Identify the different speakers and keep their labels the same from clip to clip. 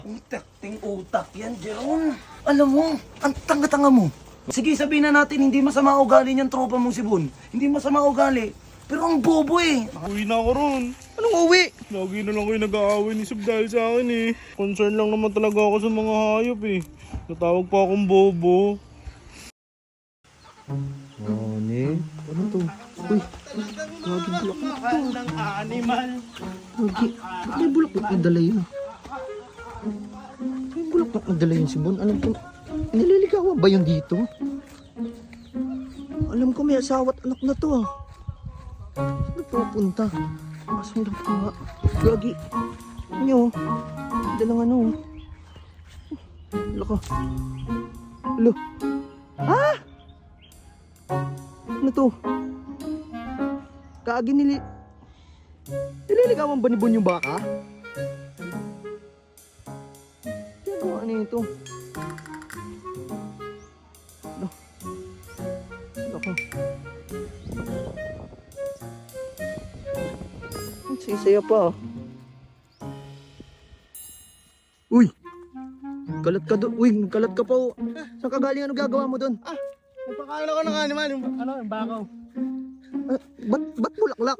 Speaker 1: Ting utak yan, Jeron. Alam mo, ang tanga-tanga mo. Sige, sabihin na natin, hindi masama ugali niyang tropa mong si Bon. Hindi masama ugali. Pero ang bobo eh.
Speaker 2: Uwi na ako ron.
Speaker 3: Anong uwi?
Speaker 2: Lagi na lang kayo nag-aaway ni Sub dahil sa akin eh. Concern lang naman talaga ako sa mga hayop eh. Natawag pa akong bobo.
Speaker 3: Ano to? Uy, gagi bulaklak to.
Speaker 2: Ng animal.
Speaker 3: Gagi, ba't may bulaklak na dala yun? May bulaklak na dala yun si Bon. Alam ko, nililigawan ba yun dito? Alam ko may asawa at anak na to ah. Saan pupunta? Masundan ko nga. Gagi. Ano? Dalang ano? Laka. Lo. Ah! Ano to? Kaagi nililigawan ba ni Bon yung baka? Ginagawa nito. Ano? Laka. Ang sisaya pa. Uy! Kalat ka doon. Uy, kalat ka pa. Oh. Saan ka galing? Ano gagawa mo doon?
Speaker 2: Nagpakain ako ng animal. Yung bakaw.
Speaker 3: Ba't bulaklak?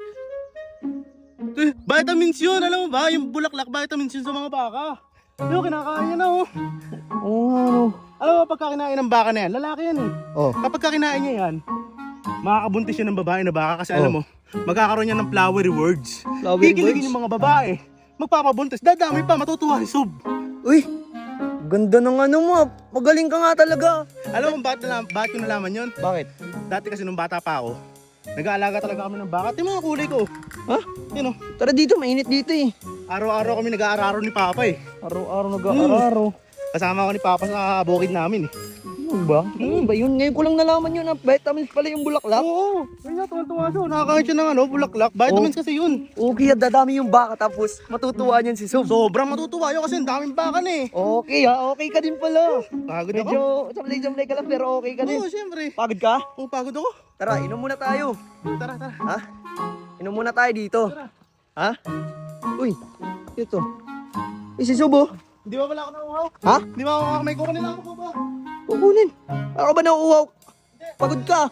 Speaker 2: Vitamins yun. Alam mo ba? Yung bulaklak, vitamins yun sa mga baka. Yung kinakain na oh.
Speaker 3: Oo nga no.
Speaker 2: Alam mo, pagka kinain ng baka na yan, lalaki yan eh.
Speaker 3: Oh.
Speaker 2: Kapag kinain niya yan, makakabuntis siya ng babae na baka kasi alam mo, magkakaroon niya ng flowery words.
Speaker 3: Flowery
Speaker 2: Kikiligin
Speaker 3: words?
Speaker 2: yung mga babae, magpapabuntis, dadami pa, matutuwa si Sub.
Speaker 3: Uy! Ganda ng ano mo. Magaling ka nga talaga.
Speaker 2: Alam mo bakit ko nalaman yun?
Speaker 3: Bakit?
Speaker 2: Dati kasi nung bata pa ako, nag-aalaga talaga kami ng baka. Ito yung mga kulay ko.
Speaker 3: Ha?
Speaker 2: Yun o.
Speaker 3: Tara dito, mainit dito eh.
Speaker 2: Araw-araw kami nag-aararo ni Papa eh.
Speaker 3: Araw-araw nag-aararo.
Speaker 2: Kasama ko ni Papa sa bukid namin eh.
Speaker 3: Ano ba? Ano ba yun? Ngayon ko lang nalaman yun na vitamins pala yung bulaklak.
Speaker 2: Oo. Kaya tuwan-tuwa siya. Nakakain siya ng bulaklak. Vitamins kasi yun.
Speaker 3: Okay, dadami yung baka tapos matutuwa niyan si Sub.
Speaker 2: Sobrang matutuwa yun kasi ang daming baka na eh.
Speaker 3: Okay ha, okay ka din pala.
Speaker 2: Pagod ako.
Speaker 3: Medyo samlay-samlay ka lang pero okay ka din.
Speaker 2: Oo, siyempre.
Speaker 3: Pagod ka?
Speaker 2: Oo, pagod ako.
Speaker 3: Tara, inom muna tayo.
Speaker 2: Tara.
Speaker 3: Ha? Inom muna tayo dito. Ha? Uy, ito. Si Sub oh.
Speaker 2: Di ba wala ako nauuhaw?
Speaker 3: Ha?
Speaker 2: Di ba ako may kukunin ako po ba?
Speaker 3: Kukunin. Ako ba nauuhaw? Pagod ka?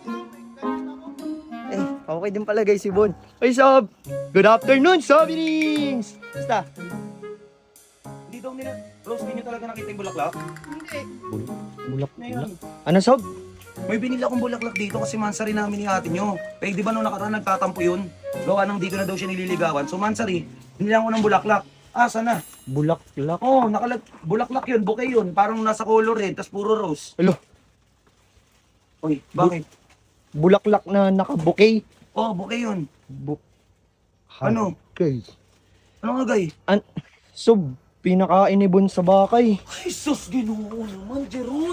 Speaker 3: Eh, okay din pala guys si Bon. Hey Sob! Good afternoon, Sobinings! Basta?
Speaker 1: Hindi daw nila, Rose, hindi nyo talaga nakita yung bulaklak?
Speaker 3: Bulak. Ano Sob?
Speaker 1: May binili akong bulaklak dito kasi mansari namin ni ate nyo. Eh, di ba nung nakaraan nagtatampo yun? Gawa nang di ko na daw siya nililigawan. So, mansari, binili ako ng bulaklak. Sana.
Speaker 3: Bulaklak.
Speaker 1: Oo, bulaklak yun, bouquet yun. Parang nasa color red, tas puro rose.
Speaker 3: Alo,
Speaker 1: Uy, bakit?
Speaker 3: bulaklak na naka-bouquet.
Speaker 1: Oo, bouquet yun. Ano?
Speaker 3: Okay.
Speaker 1: Ano nga, gay?
Speaker 3: Sob, pinakain ni Bon sa bakay.
Speaker 1: Ay, sus, ginoo naman, Jeron.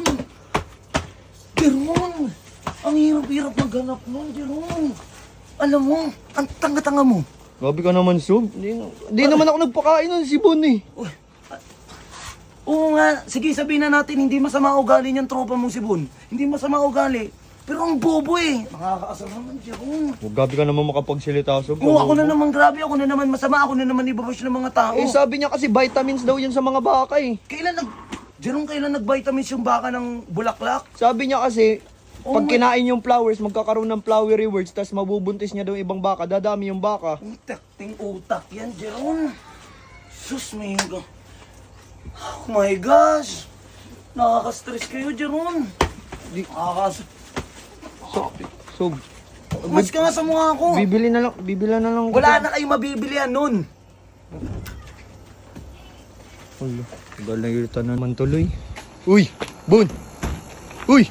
Speaker 1: Jeron! Ang hirap-hirap maghanap nun, Jeron. Alam mo, ang tanga-tanga mo.
Speaker 3: Grabe ka naman, Sob. Hindi naman ako nagpakain nun si Bon eh.
Speaker 1: Oo nga, sige, sabihin na natin, hindi masama ugali niyang tropa mong si Bon. Hindi masama ugali. Pero ang bobo eh. Nakakaasar naman, Jeron.
Speaker 3: Grabe ka naman makapagsilita, Sob.
Speaker 1: Oo, ako na naman grabe, ako na naman masama, ako na naman ibabash ng mga tao.
Speaker 3: Eh, sabi niya kasi vitamins daw yun sa mga baka eh.
Speaker 1: Jeron, kailan nag-vitamins yung baka ng bulaklak?
Speaker 3: Sabi niya kasi,
Speaker 1: Oh
Speaker 3: pag
Speaker 1: my-
Speaker 3: kinain yung flowers, magkakaroon ng flowery words, tapos mabubuntis niya daw yung ibang baka, dadami yung baka.
Speaker 1: Ting utak yan, Jeron. Sus, may oh my gosh. Nakaka-stress kayo, Jeron.
Speaker 3: So,
Speaker 1: Mas ka nga sa mukha ko.
Speaker 3: bibili na lang.
Speaker 1: Wala na kayong mabibilihan nun.
Speaker 3: Hala, tagal na irita naman tuloy. Uy, Bon! Uy!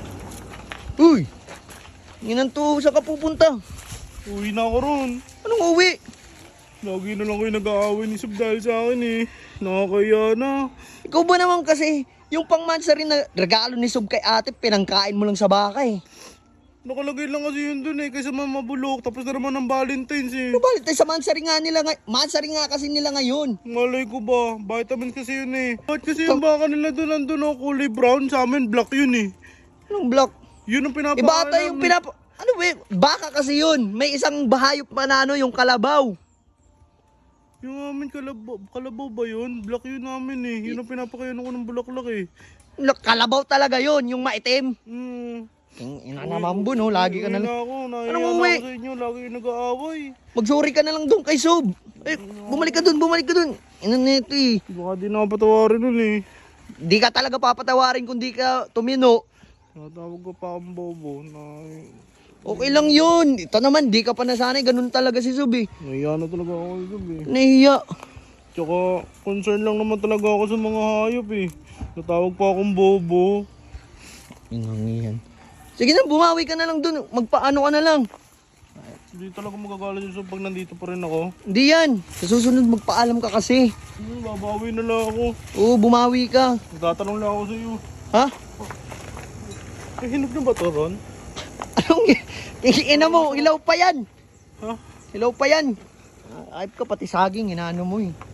Speaker 3: Ginanto, saan ka pupunta?
Speaker 2: Uwi na ako ron.
Speaker 3: Anong uwi?
Speaker 2: Lagi na lang kayo nag-aaway ni Sub dahil sa akin eh. Nakakaya na.
Speaker 3: Ikaw ba naman kasi, yung pangmansa rin na regalo ni Sob kay ate, pinangkain mo lang sa baka eh.
Speaker 2: Nakalagay lang kasi yun dun eh, kaysa mamabulok. Tapos na naman ng Valentine's eh.
Speaker 3: Ano balit tayo sa mansari nga nila mansari nga kasi nila ngayon.
Speaker 2: Malay ko ba? Vitamins kasi yun eh. Bakit kasi yung baka nila dun nandun ang kulay brown? Sa amin black yun eh.
Speaker 3: Anong block?
Speaker 2: Yun ang pinapakain
Speaker 3: Iba ata yung ano ba, baka kasi yun. May isang bahayop pa na ano, yung kalabaw.
Speaker 2: Yung amin kalabaw ba yun? Black yun namin eh. Yun ang pinapakayanan ko ng bulaklak eh.
Speaker 3: Kalabaw talaga yon, yung maitim.
Speaker 2: Hmm.
Speaker 3: Yung ina naman bo, no? Lagi ka na lang.
Speaker 2: Ako, nahiya
Speaker 3: Anong
Speaker 2: na
Speaker 3: uwi?
Speaker 2: ako sa inyo. Lagi yung nag-aaway.
Speaker 3: Magsorry ka na lang doon kay Sob. Eh, bumalik ka doon. Ina neto eh.
Speaker 2: Baka di na ako patawarin nun eh.
Speaker 3: Di ka talaga papatawarin kung di ka tumino.
Speaker 2: Natawag ko pa akong bobo.
Speaker 3: Okay lang yun. Ito naman, di ka pa nasanay. Ganun talaga si Sob eh.
Speaker 2: Nahiya na talaga ako sa gabi.
Speaker 3: Nahiya.
Speaker 2: Tsaka, concern lang naman talaga ako sa mga hayop eh. Natawag pa akong bobo.
Speaker 3: Yan. Sige na, bumawi ka na lang doon. Magpaano ka na lang.
Speaker 2: Hindi talaga magagalit yung pag nandito pa rin ako.
Speaker 3: Hindi yan. Sa susunod, magpaalam ka kasi.
Speaker 2: Babawi na lang ako.
Speaker 3: Oo, bumawi ka.
Speaker 2: Magtatanong lang ako sa iyo.
Speaker 3: Ha?
Speaker 2: Eh, hinog na ba to, Ron?
Speaker 3: Anong ina mo? Hilaw pa yan.
Speaker 2: Ha?
Speaker 3: Hilaw pa yan. Ayop ka, pati saging, inaano mo eh.